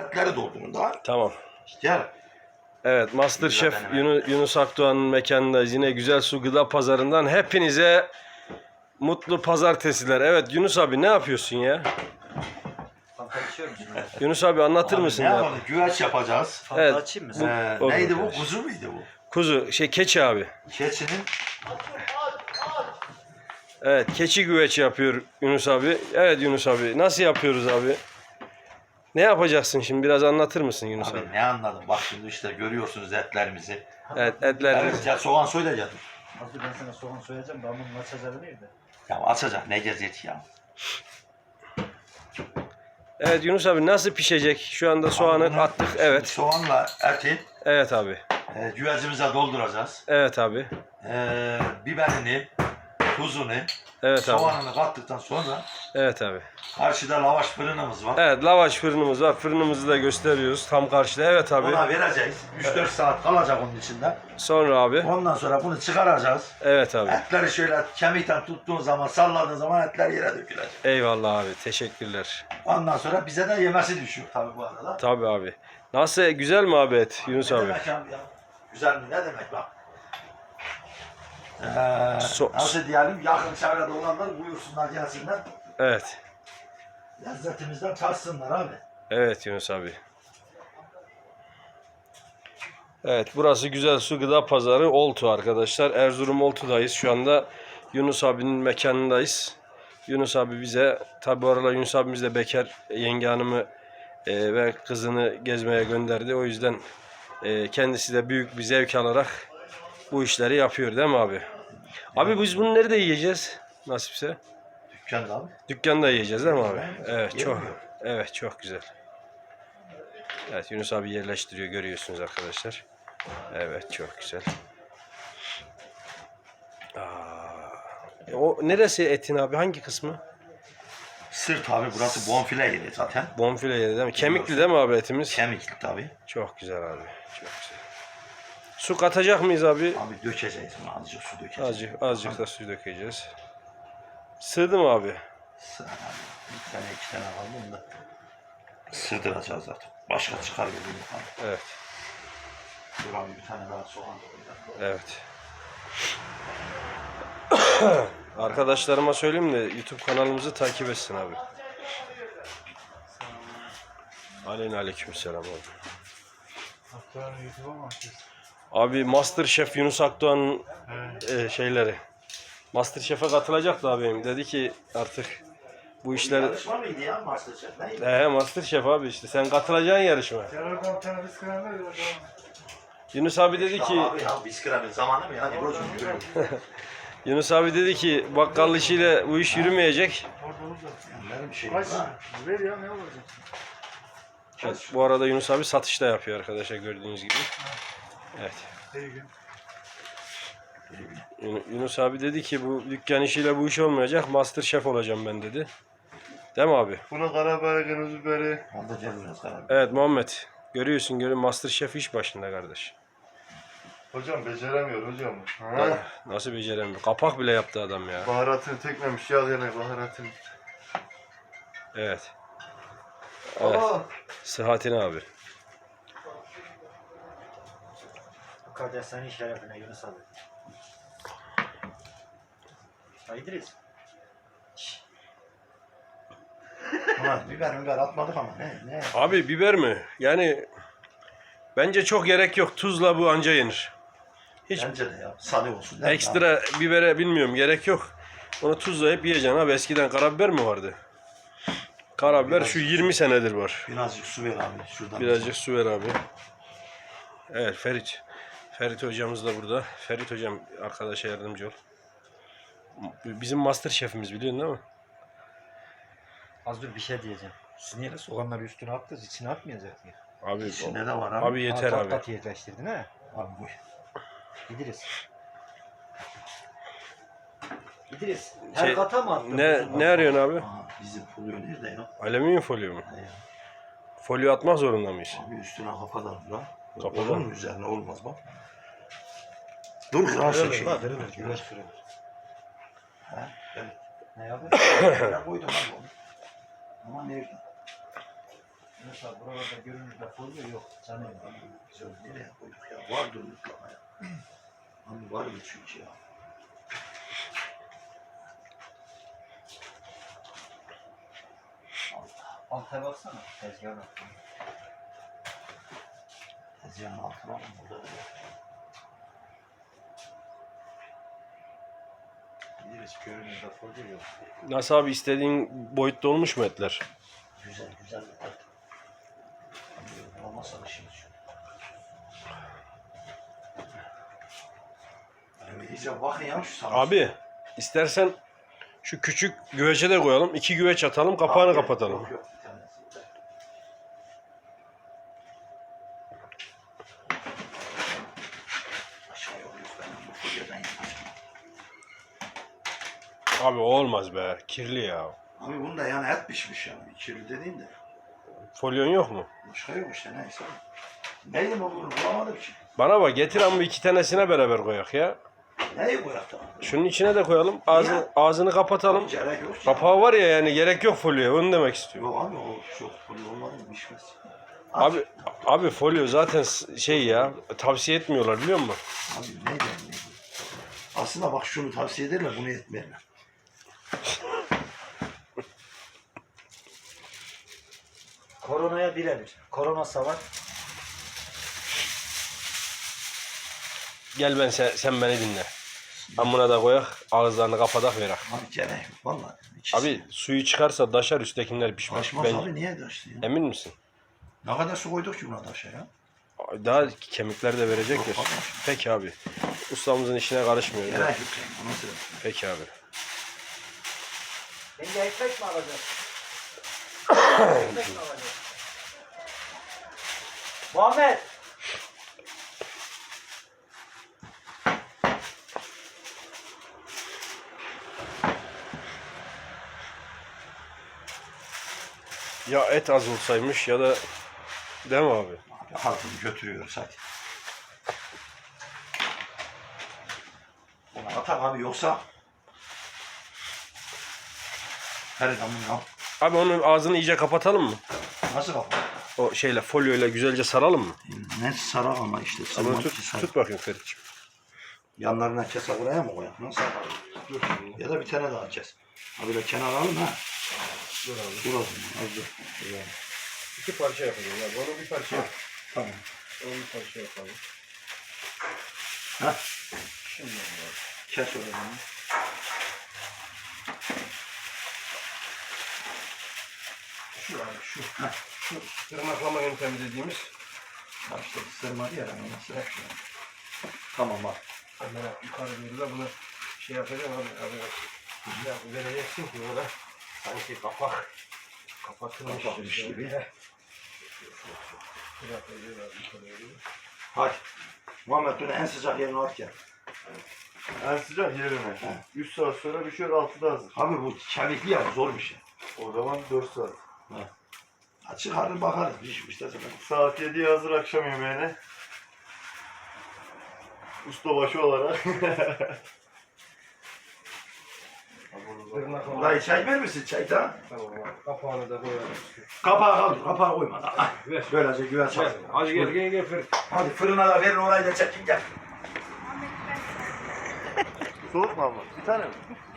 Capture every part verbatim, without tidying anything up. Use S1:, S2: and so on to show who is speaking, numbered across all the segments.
S1: etleri doldurun da.
S2: Tamam.
S1: Gel.
S2: Evet, Masterchef Yunus, Yunus Akdoğan'ın mekanındayız. Yine Güzel Su Gıda Pazarı'ndan hepinize mutlu pazartesiler. Evet Yunus abi ne yapıyorsun ya? Yunus abi anlatır
S1: Abi
S2: mısın
S1: ne
S2: ya?
S1: yapalım? Güveç yapacağız.
S2: Evet.
S3: Açayım mı?
S2: Bu-
S1: Ee,
S2: olur
S1: neydi bu?
S2: arkadaş.
S1: Kuzu muydu bu?
S2: Kuzu, şey keçi abi.
S1: Keçinin
S2: Evet, keçi güveç yapıyor Yunus abi. Evet Yunus abi, nasıl yapıyoruz abi? Ne yapacaksın şimdi? Biraz anlatır mısın Yunus abi?
S1: abi ne anladım? Bak şimdi işte görüyorsunuz etlerimizi.
S2: Evet, etler.
S1: Evet, ya soğan soyacağız.
S3: Nasıl ben sana soğan soyacağım da bunun açacağı nerede?
S1: Ya açacak ne gezet ya.
S2: Evet Yunus abi nasıl pişecek? Şu anda soğanı
S1: Abi bunu
S2: attık.
S1: şimdi
S2: Evet.
S1: Soğanla eti
S2: Evet abi.
S1: e, güvecimize dolduracağız.
S2: Evet abi.
S1: E, biberini, tuzunu,
S2: Evet abi.
S1: soğanını kattıktan sonra
S2: Evet abi.
S1: karşıda lavaş fırınımız var.
S2: Evet, lavaş fırınımız var. Fırınımızı da gösteriyoruz tam karşıda. Evet abi.
S1: Ona vereceğiz. üç dört saat kalacak onun içinde.
S2: Sonra abi.
S1: Ondan sonra bunu çıkaracağız.
S2: Evet abi.
S1: Etleri şöyle kemikten tuttuğun zaman, salladığın zaman etler yere dökülecek.
S2: Eyvallah abi. Teşekkürler.
S1: Ondan sonra bize de yemesi düşüyor tabii bu arada.
S2: Tabii abi. Nasıl? Güzel mi abi et Yunus
S1: Ne
S2: abi?
S1: demek abi ya? Güzel mi? Ne demek bak? Ee,
S2: So-
S1: nasıl diyelim? Yakın çevrede olanlar buyursunlar gelsinler.
S2: Evet.
S1: Lezzetimizden tatsınlar abi.
S2: Evet Yunus abi. Evet, burası Güzel Su Gıda Pazarı Oltu arkadaşlar. Erzurum Oltu'dayız. Şu anda Yunus abinin mekanındayız. Yunus abi bize, tabi bu aralar Yunus abimiz de bekar, yenge hanımı e, ve kızını gezmeye gönderdi. O yüzden e, kendisi de büyük bir zevk alarak bu işleri yapıyor değil mi abi? Abi biz bunu nerede yiyeceğiz? Nasipse.
S1: Dükkanda abi.
S2: Dükkanda yiyeceğiz değil mi abi? Evet,
S1: Yer
S2: çok
S1: mi?
S2: evet çok güzel. Evet Yunus abi yerleştiriyor, görüyorsunuz arkadaşlar. Evet çok güzel. Aa, o neresi etin abi? Hangi kısmı?
S1: Sırt abi, burası bonfile yeri zaten.
S2: Bonfile yeri değil mi? Kemikli değil mi abi etimiz?
S1: Kemikli tabii.
S2: Çok güzel abi. Çok güzel. Su katacak mıyız abi?
S1: Abi dökeceğiz bunu, azıcık su dökeceğiz.
S2: Azıcık, azıcık da su dökeceğiz. Sığdı mı abi?
S1: Sıra abi. Bir tane iki tane var bunu da sığdıracağız zaten. Başka çıkar gibi abi.
S2: Evet.
S1: Dur abi bir tane daha soğan koyacağım.
S2: Evet. Arkadaşlarıma söyleyeyim de YouTube kanalımızı takip etsin abi. Aleyna aleykümselam abi.
S3: Aktarın YouTube'a mı açıyorsun?
S2: Abi Masterchef Yunus Akdoğan'ın e, şeyleri. Masterchef'e katılacaktı abim. Dedi ki artık bu işler...
S1: Yarışma mıydı ya Masterchef? Neydi?
S2: He Masterchef abi işte. Sen katılacaksın yarışma.
S3: Gel oradan bir tane bisküvi ver ya.
S2: Yunus abi dedi ki...
S1: Abi ya bisküvinin zamanı mı ya? Buracığım yürü.
S2: Yunus abi dedi ki bakkal işiyle bu iş yürümeyecek.
S3: Orada orada.
S1: Benim bir şeyim
S3: Kaç?
S1: var.
S3: Ver ya ne olacak?
S2: Evet, bu arada Yunus abi satışta yapıyor arkadaşlar gördüğünüz gibi. Evet.
S3: İyi gün.
S2: Yun- Yunus abi dedi ki bu dükkan işiyle bu iş olmayacak. Masterchef olacağım ben dedi. Değil mi abi?
S3: Buna karabiber, kırmızı biberi.
S1: Onda cebimiz karar.
S2: Evet Muhammed. Görüyorsun görün Masterchef iş başında kardeş.
S3: Hocam beceremiyor hocam.
S2: Ha, nasıl beceremiyor? Kapak bile yaptı adam ya.
S3: Baharatını tekmemiş ya gene baharatını.
S2: Evet. Evet.
S3: Aa!
S2: Sıhhatine abi.
S4: Kardeş senin şerefine Yunus abi. Ya İdris.
S1: Ulan biber biber atmadık ama ne ne?
S2: Abi biber mi? Yani bence çok gerek yok. Tuzla bu anca yenir. Hiç
S1: Bence de ya. Sade olsun. değil mi?
S2: ekstra bibere bilmiyorum gerek yok. Onu tuzlayıp yiyeceksin abi. Eskiden karabiber mi vardı? Karabiber şu yirmi senedir var.
S1: Birazcık su ver abi şuradan.
S2: Birazcık su ver abi. Evet Ferit. Ferit hocamız da burada. Ferit hocam arkadaşa yardımcı ol. Bizim master şefimiz biliyorsun değil mi?
S4: Az dur bir şey diyeceğim. Siz niye soğanları üstüne attınız? İçine atmayacak mı?
S2: Abi
S1: İçinde de var abi.
S2: abi yeter
S4: Ha,
S2: abi.
S4: kat kat yerleştirdin ha?
S1: Abi bu.
S4: İdris. İdris. Her
S2: Şey,
S4: kata mı attın?
S2: Ne ne arıyorsun abi?
S1: Aha, bizim folyo nerede ya?
S2: Alüminyum folyo mu?
S1: Ne ya?
S2: Folyo atmak zorunda mıyız?
S1: Abi üstüne kafadan lan.
S2: Kafadan.
S1: Olur mu üzerine olmaz bak. Dur kırarsın şey.
S4: Kırılır, güveç kırılır.
S1: Ha, evet.
S4: Ne yapıyorsun?
S1: Ben koydum abi onu. Ama nerede?
S4: Mesela buralarda görünürde folyo yok. Canım.
S1: Biz onu nereye koyduk ya? Vardır mutlaka ya. Hani var mı çünkü ya?
S4: Alta baksana. Tezgahın altına.
S1: Tezgahın altına mı burada?
S4: Biliriz görünürde folyo yok.
S2: Nasıl abi, istediğin boyutta olmuş mu etler?
S1: Güzel güzel bir tat. Hani olmazsa işimiz yok. Yani iyice bakın ya şu sana.
S2: Abi istersen şu küçük güvece de koyalım. İki güveç atalım, kapağını
S1: Abi,
S2: kapatalım.
S1: Yok yok bir tanesi. Aşağı yok yok ben bu folyodan yapacağım.
S2: Abi o olmaz be. Kirli ya.
S1: Abi bunda yani et pişmiş yani. Kirli dediğin de.
S2: Folyon yok mu?
S1: Başka yok işte neyse. Neyin olduğunu bulamadım ki.
S2: Bana bak, getir ama iki tanesine beraber koyak ya.
S1: Neyi koyak da?
S2: Şunun içine de koyalım. Ağzını, ağzını kapatalım.
S1: Gerek yok ki.
S2: Kapağı var ya, yani gerek yok folyoya. Onu demek istiyorum.
S1: Yok abi o çok folyo olmadı mı pişmez.
S2: Abi abi folyo zaten s- şey ya, tavsiye etmiyorlar biliyor musun?
S1: Abi ne der ne? Aslında bak şunu tavsiye ederler bunu etmeyenler.
S4: Koronaya birebir. Korona savar.
S2: Gel ben sen, sen beni dinle. Ben buna da koyak, ağızlarını kapatak verak.
S1: Abi gerek yok vallahi. İkisi.
S2: Abi suyu çıkarsa daşar, üsttekiler pişmez.
S1: Taşmaz
S2: Ben-
S1: abi niye taştı ya?
S2: Emin misin?
S1: Ne kadar su koyduk ki buna taşa ya?
S2: Daha kemikler de verecektir.
S1: Yok, vallahi.
S2: Peki abi. Ustamızın işine karışmıyoruz.
S1: Gerek
S2: ha.
S1: yok yani. Nasıl?
S2: Peki abi.
S4: Bence ekmek mi alacağız? Ekmek mi alacağız? Muhammed!
S2: Ya et az olsaymış ya da, değil mi abi?
S1: Abi hatunu götürüyoruz hadi. Ona atak abi yoksa her zaman ya.
S2: Abi onun ağzını iyice kapatalım mı?
S1: Nasıl kapı?
S2: O şeyle, folyoyla güzelce saralım mı?
S1: Ne sarar ama işte.
S2: Abi
S1: Sırmak
S2: tut,
S1: ki sar.
S2: tut bakayım Ferit'ciğim.
S1: Yanlarına kese buraya mı koyak? Nasıl yapalım?
S2: Dur.
S1: Ya da bir tane daha kes. Ha böyle kenar alalım ha.
S2: Dur abi.
S1: Dur o zaman. Az dur.
S2: İki parça yapacağız abi. Onu bir parça yap.
S1: Tamam.
S2: Onu bir parça yapalım.
S1: Ha.
S2: Şimdi abi.
S1: Kes o zaman.
S2: Şu abi şu. Heh. Şu tırnaklama yöntemi dediğimiz.
S1: Ha işte sırmadı ya. Ben nasıl yapacağım? Tamam bak.
S2: Hemen yukarı doğru da bunu şey yapacağım abi. abi. Ya vereceksin ki orada sanki kapak kapatılmış
S1: Kapatmış
S2: şey.
S1: gibi.
S2: Heh. Biraz öyle abi, yukarı doğru.
S1: Hadi. Muhammed bunu en sıcak yerine at gel.
S3: En sıcak yerine. üç saat sonra pişiyor altıda hazır.
S1: Abi bu kemikli ya zor bir şey.
S3: O zaman dört saat.
S1: Ha, çıkarır bakarız pişmiş de zaten.
S3: Saat yediye hazır akşam yemeğine. Ustabaşı olarak.
S2: Tırnaklama.
S1: Dayı çay verir misin çay da?
S2: Tamam abi. Kapağını da koyalım.
S1: Kapağı kaldır, kapağı koyma da. Ah,
S2: Ver.
S1: Böylece güven çal.
S2: Hadi gel gel gel Ferit.
S1: Hadi fırına da verin orayı da çekin gel.
S3: Soğuk mu ama? Bir tane mi?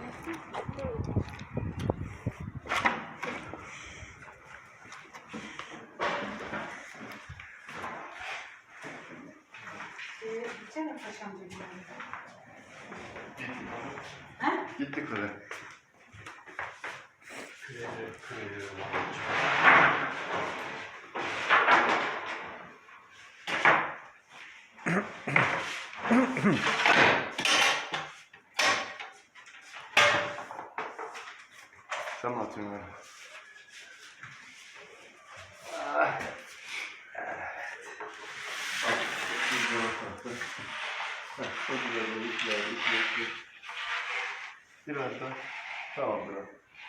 S5: Gitsene paşam dedim.
S3: Gitti kule. Sen mi atıyorsun öyle? Biraz daha. Tamam bırak.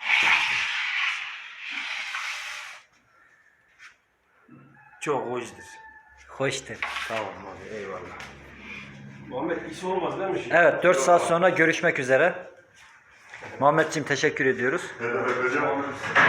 S2: Çok hoştur.
S4: Hoştur.
S2: Tamam abi, eyvallah. Muhammed iyisi olmaz değil mi şimdi?
S4: Evet, dört saat sonra görüşmek üzere. Muhammedciğim teşekkür ediyoruz.
S3: Evet, hocam.